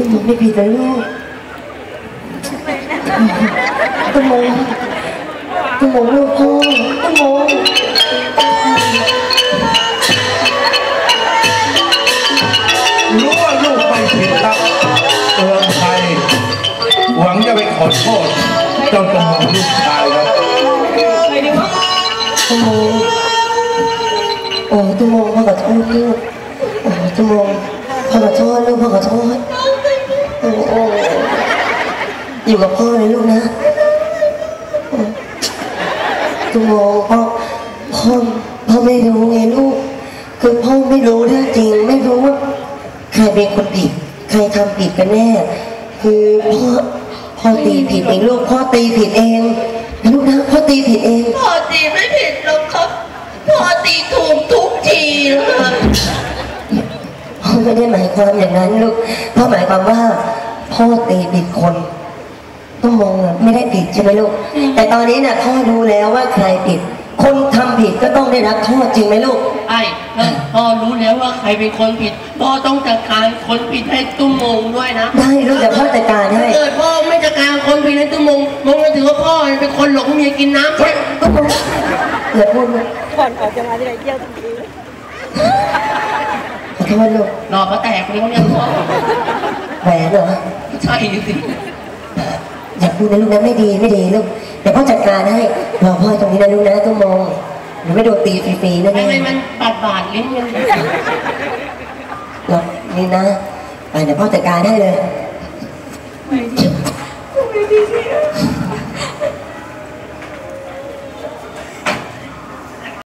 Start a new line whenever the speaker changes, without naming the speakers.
ตุ้มไม่ผิดเลยลูกตุ้มมองตุ้มมองลูกพ่อตุ้มมอง
รู้ว่าลูกไม่ผิดครับเตือนใครหวังจะไปขอโทษเจ้าตุ้มมองลูกชายครับ
ตุ้มมองโอ้ตุ้มมองพ่อขอโทษลูกโอ้ตุ้มมองพ่อขอโทษลูกพ่อขอโทษโอ้อยู่กับพ่อเลยลูกนะตุ้มมองพ่อไม่รู้ไงลูกคือพ่อไม่รู้เรื่องจริงไม่รู้ว่าใครเป็นคนผิดใครทำผิดกันแน่คือพ่อตีผิดเองลูกพ่อตีผิดเองลูกนะพ่อตีผิดเอง
พ่อตีไม่ผิดหรอกครับพ่อตีถูกทุกทีเลย
พ่อไม่ได้หมายความอย่างนั้นลูกพ่อหมายความว่าพ่อตีผิดคนต้องมองไม่ได้ผิดใช่ไหมลูกแต่ตอนนี้น่ะพ่อรู้แล้วว่าใครผิดคนทำผิดก็ต้องได้รับโทษจริงไหมลูก
ไอ้พ่อรู้แล้วว่าใครเป็นคนผิดพ่อต้องจัดการคนผิดให้ตุ้มมงด้วยนะ
ได้ลูกแต่พ่อจัดการให้
เกิดพ่อไม่จัดการคนผิดให้ตุ้มมงก็ถือว่าพ่อเป็นคนหลงเมียกินน้ำใช่
ตุ้มมงอย่าพูดนะ
ก่อนออกจะมาที่ไหนเที่ยวทันที
ขอโทษลูก
รอเขาแตกเลยเขาเนี่ยพ่อ
แหวนเหรอ
ใช่สิ
อย่าพูดนะลูกนะไม่ดีลูกเดี๋ยวพ่อจัดการให้รอพ่อตรงนี้นะลูกนะตุ้มมงหนูไม่โดนตีฟรีๆนะ
ทำไมมันบาดลิ้นมัน
หรอนี่นะเดี๋ยวพ่อจัดการให้เลย